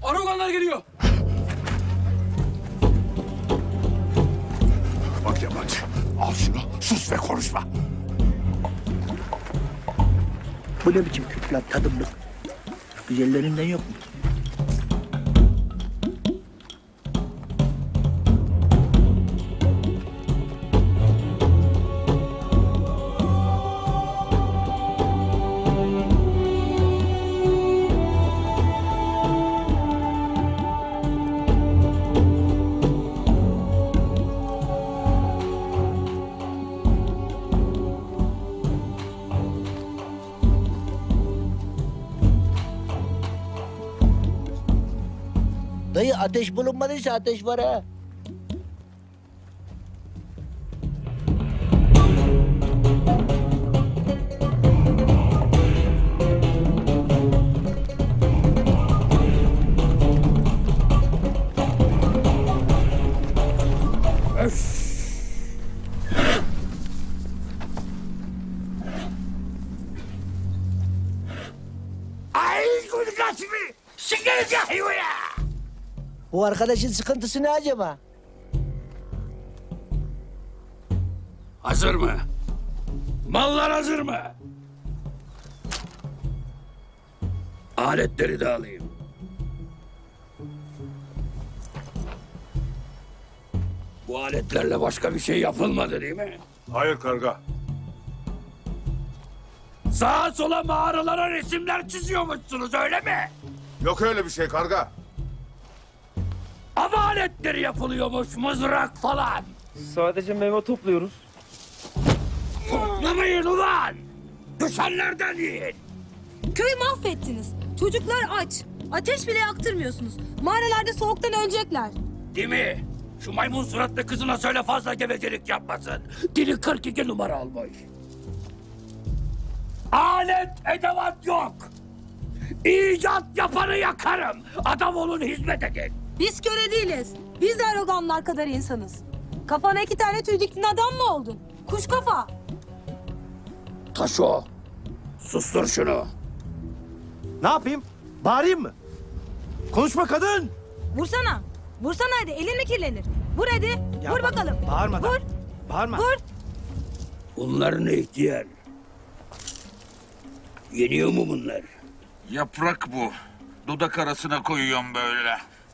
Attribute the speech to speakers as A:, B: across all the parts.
A: Aroganlar geliyor.
B: Bak yabancı, al şunu, sus ve konuşma.
C: Bu ne biçim Kürt lan, tadımlık? Güzellerinden yok mu? Dayı ateş bulunmadıysa ateş var ha.
B: Ay gülgâsmi, sikeriz ya.
C: Bu arkadaşın sıkıntısı ne acaba?
A: Hazır mı? Mallar hazır mı? Aletleri de alayım. Bu aletlerle başka bir şey yapılmadı değil mi?
B: Hayır karga.
A: Sağa sola mağaralara resimler çiziyormuşsunuz öyle mi?
B: Yok öyle bir şey karga.
A: Av aletleri yapılıyormuş, mızrak falan.
D: Sadece meyve topluyoruz.
A: Toplamayın ulan! Düşenlerden yiyin!
E: Köyü mahvettiniz. Çocuklar aç. Ateş bile yaktırmıyorsunuz. Mağaralarda soğuktan ölecekler.
A: Değil mi? Şu maymun suratlı kızına söyle fazla gevezelik yapmasın. Dili 42 numara olmuş. Alet edevat yok. İcat yapanı yakarım. Adam olun, hizmet edin.
E: Biz köle değiliz. Biz de aroganlar kadar insanız. Kafana 2 tane tüy diktin adam mı oldun? Kuş kafa.
A: Taşo, sustur şunu.
D: Ne yapayım? Bağırayım mı? Konuşma kadın!
E: Vursana. Vursana hadi. Elin mi kirlenir? Vur hadi.
D: Ya
E: Vur
D: bak,
E: bakalım.
D: bağırmadan.
E: Vur.
D: Bağırma.
E: Vur.
A: Bunlar ne ihtiyar? Yeniyor mu bunlar?
F: Yaprak bu. Dudak arasına koyuyorum böyle.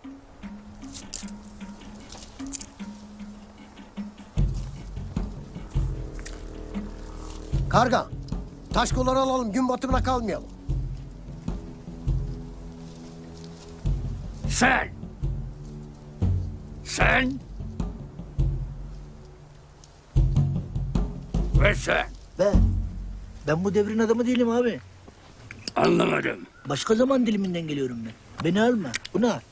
G: Karga, taş kolları alalım, gün batımına kalmayalım.
A: Sen! Sen! Ve sen!
C: Ben bu devrin adamı değilim abi.
A: Anlamadım.
C: Başka zaman diliminden geliyorum ben. Beni alma, bunu al.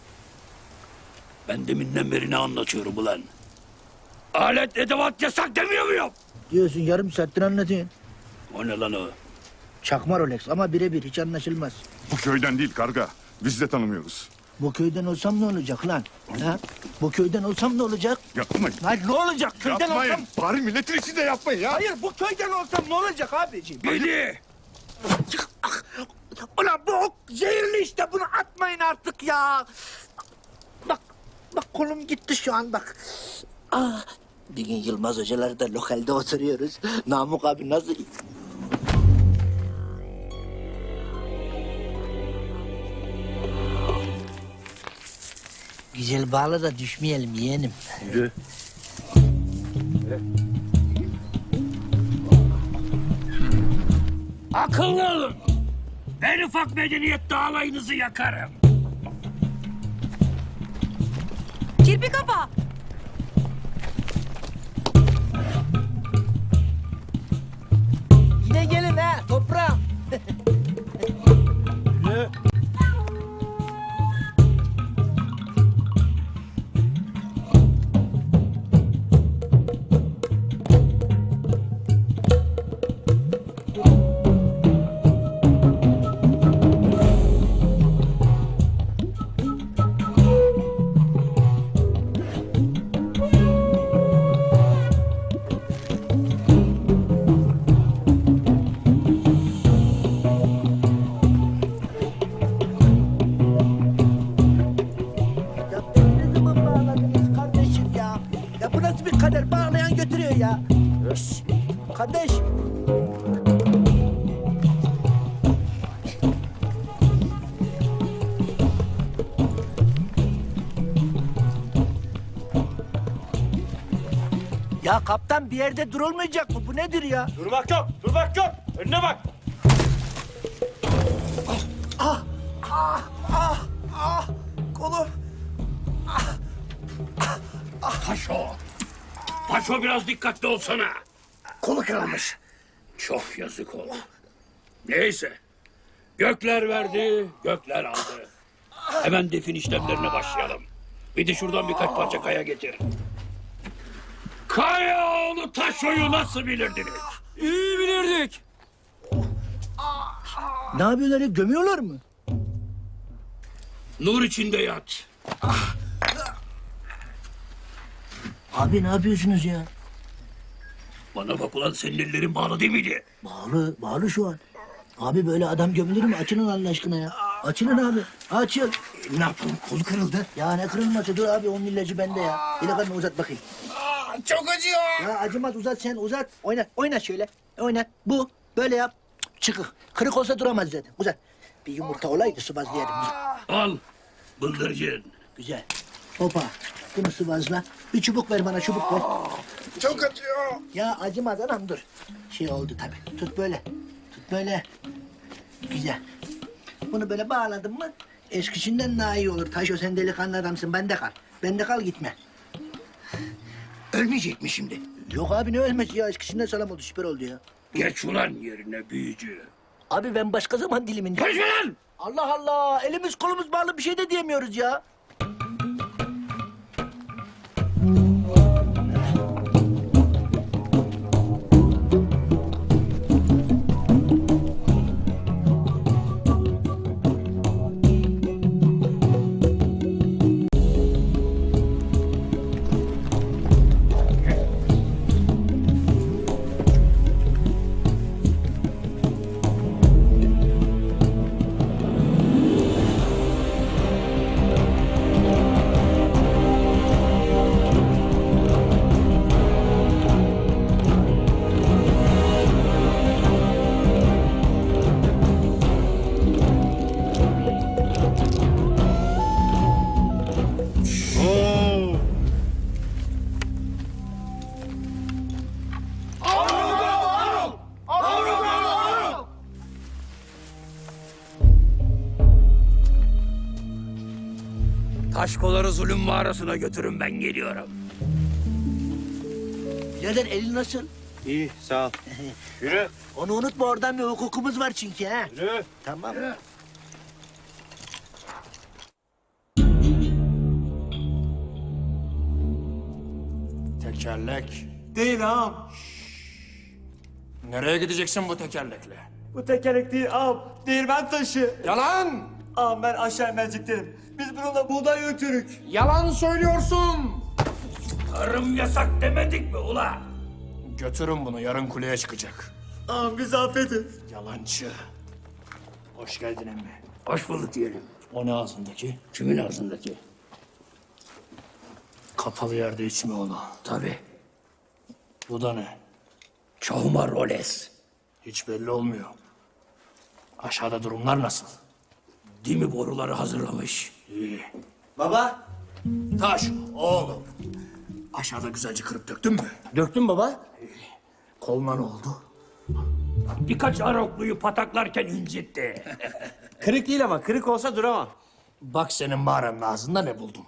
A: Ben deminden beri ne anlatıyorum ulan? Alet edevat yasak demiyor muyum?
C: Diyorsun yarım saattir anlatıyorsun.
A: O ne lan o?
C: Çakma Rolex ama birebir hiç anlaşılmaz.
B: Bu köyden değil karga. Biz de tanımıyoruz.
C: Bu köyden olsam ne olacak lan? Ha? Bu köyden olsam ne olacak?
B: Yapmayın.
C: Hayır ne olacak? Köyden
B: Yapmayın.
C: olsam...
B: Bari milletin içinde yapmayın ya.
C: Hayır bu köyden olsam ne olacak abiciğim?
A: Beni!
C: Ulan bu ok zehirli işte bunu atmayın artık ya. Bak kolum gitti şu an bak. Ah, bir gün Yılmaz hocalar da lokalde oturuyoruz. Namık abi nasıl... Güzel bağla da düşmeyelim yeğenim.
D: Yürü.
A: Akıllı olun! En ufak medeniyette alayınızı yakarım.
E: Kirpi kafa.
C: Yine gelin ha toprağım.
D: Yürü.
C: ya. Ös. Kardeş. Ya kaptan bir yerde durulmayacak mı? Bu nedir ya?
D: Durmak yok, durmak yok. Önüne bak.
C: Kolum.
A: Taşo. Taşo biraz dikkatli olsana.
C: Kolu kırılmış.
A: Çok yazık oldu. Neyse. Gökler verdi, gökler aldı. Hemen defin işlemlerine başlayalım. Bir de şuradan birkaç parça kaya getir. Kayaoğlu Taşo'yu nasıl bilirdiniz?
D: İyi bilirdik.
C: Ne yapıyorlar ya? Gömüyorlar mı?
A: Nur içinde yat.
C: Abi ne yapıyorsunuz ya?
A: Bana bak ulan, senin ellerin bağlı değil miydi?
C: Bağlı, bağlı şu an. Abi böyle adam gömülür mü? Açılın Allah aşkına ya. Açılın abi. Açıl.
A: Ne yapalım, kolu kırıldı.
C: Ya ne kırılması? Dur abi, onun ilacı bende ya. Delikanlı uzat bakayım.
B: Çok acıyor.
C: Ya acımaz, uzat sen, uzat. Oynat, oynat şöyle. Oynat. Bu. Böyle yap. Çıkık. Kırık olsa duramaz zaten. Uzat. Bir yumurta olaydı sıvazlayalım.
A: Al, bıldırcın.
C: Güzel. Hopa. Bunu sıvazla. Bir çubuk ver bana, çubuk ver.
B: Çok acıyor.
C: Ya acımaz anam, dur. Şey oldu tabii. Tut böyle. Tut böyle. Güzel. Bunu böyle bağladın mı eskisinden daha iyi olur. Taşo, sen delikanlı adamsın. Bende kal. Bende kal, gitme.
A: Ölmeyecek mi şimdi?
C: Yok abi, ne ölmesi ya. Eskisinden sağlam oldu. Süper oldu ya.
A: Geç ulan yerine büyücü.
C: Abi ben başka zaman diliminde.
A: Konuşma lan!
C: Allah Allah. Elimiz kolumuz bağlı, bir şey de diyemiyoruz ya.
A: Taşkoları zulüm mağarasına götürün, ben geliyorum.
C: Birader, elin nasıl?
D: İyi, sağ ol. Yürü,
C: Onu unutma, oradan bir hukukumuz var çünkü ha.
D: yürü.
C: Tamam.
H: Tekerlek. Değil ağam. Nereye gideceksin bu tekerlekle?
D: Bu tekerlek değil ağam, değirmen taşı.
H: Yalan!
D: Ağam ben aşağı merceklerim. Biz bununla buğday ötürük.
H: Yalan söylüyorsun!
A: Tarım yasak demedik mi ula?
H: Götürün bunu, yarın kuleye çıkacak.
D: Ağam bizi affedin.
H: Yalancı. Hoş geldin emmi.
A: Hoş bulduk diyelim.
H: O ne ağzındaki?
A: Kimin ağzındaki?
H: Kapalı yerde içme onu.
A: Tabii.
H: Bu da ne?
A: Çahuma roles.
H: Hiç belli olmuyor. Aşağıda durumlar nasıl?
A: Dimi boruları hazırlamış.
H: İyi.
D: Baba.
H: Taş, oğlum. Aşağıda güzelce kırıp döktün mü?
D: Döktün baba.
H: Koluna ne oldu?
A: Birkaç arokluyu pataklarken incitti.
D: Kırık değil ama, kırık olsa duramam.
H: Bak senin mağaranın ağzında ne buldum.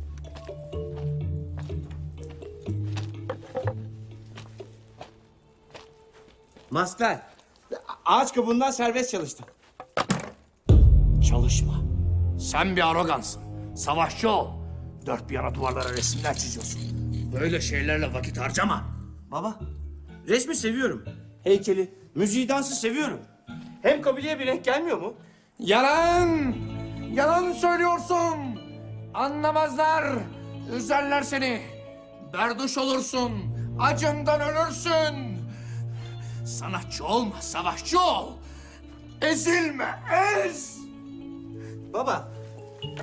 D: Master. Ağaç kabuğundan serbest çalıştım.
H: Çalışma. Sen bir arogansın. Savaşçı ol. Dört bir yana duvarlara resimler çiziyorsun. Böyle şeylerle vakit harcama.
D: Baba, resmi seviyorum. Heykeli, müziği, dansı seviyorum. Hem kabileye bir renk gelmiyor mu?
H: Yalan! Yalan söylüyorsun! Anlamazlar! Üzerler seni! Berduş olursun! Acından ölürsün! Sanatçı olma, savaşçı ol! Ezilme, ez!
D: Baba,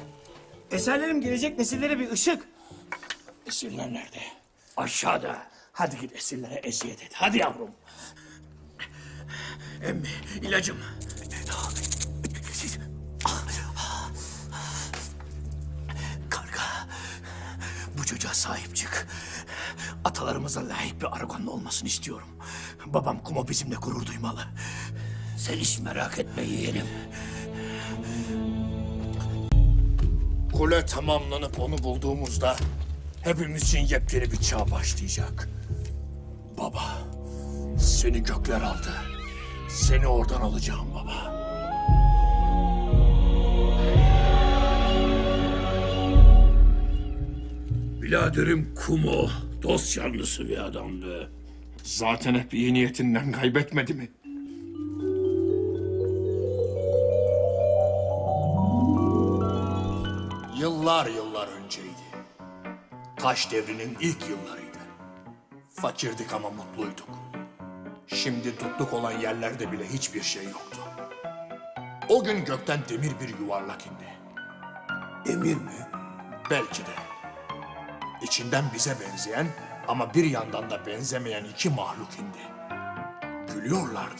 D: eserlerim gelecek nesillere bir ışık.
H: Esirler nerede?
A: Aşağıda.
H: Hadi git esirlere eziyet et. Hadi yavrum.
A: Emmi ilacım.
H: Karga, bu çocuğa sahip çık. Atalarımıza layık bir Aragonlu olmasını istiyorum. Babam Kumo bizimle gurur duymalı.
A: Sen hiç merak etme yeğenim.
H: Kule tamamlanıp onu bulduğumuzda hepimiz için yepyeni bir çağ başlayacak. Baba, seni gökler aldı. Seni oradan alacağım baba.
A: Biraderim Kumo dost yanlısı bir adamdı.
H: Zaten hep iyi niyetinden kaybetmedi mi? Yıllar yıllar önceydi. Taş devrinin ilk yıllarıydı. Fakirdik ama mutluyduk. Şimdi tutluk olan yerlerde bile hiçbir şey yoktu. O gün gökten demir bir yuvarlak indi.
A: Emir mi?
H: Belki de. İçinden bize benzeyen ama bir yandan da benzemeyen iki mahluk indi. Gülüyorlardı.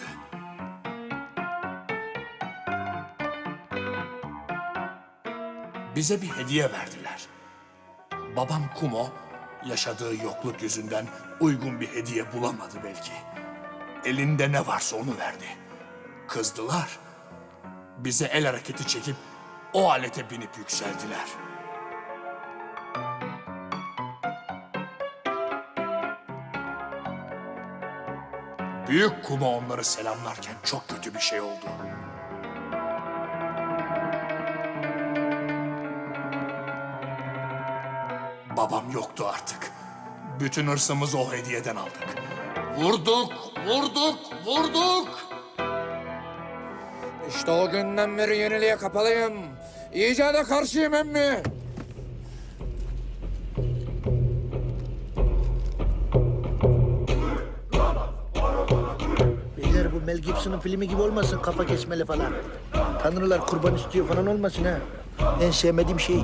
H: Bize bir hediye verdiler. Babam Kumo yaşadığı yokluk yüzünden uygun bir hediye bulamadı belki. Elinde ne varsa onu verdi. Kızdılar. Bize el hareketi çekip o alete binip yükseldiler. Büyük Kumo onları selamlarken çok kötü bir şey oldu. Babam yoktu artık. Bütün hırsımızı o hediyeden aldık. Vurduk, vurduk, vurduk.
B: İşte o günden beri yeniliğe kapalıyım. İcada karşıyım emmi.
C: Beyler bu Mel Gibson'ın filmi gibi olmasın, kafa kesmeli falan. Tanrılar kurban istiyor falan olmasın ha. En sevmediğim şey.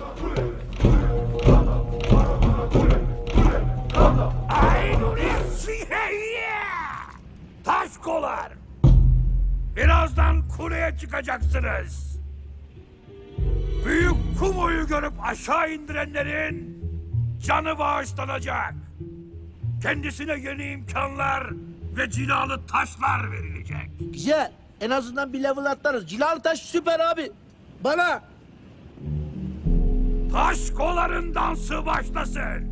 A: Taşkolar! Birazdan kuleye çıkacaksınız. Büyük Kumo'yu görüp aşağı indirenlerin canı bağışlanacak. Kendisine yeni imkanlar ve cilalı taşlar verilecek.
C: Güzel. En azından bir level atlarız. Cilalı taş süper abi. Bana.
A: Taşkoların dansı başlasın.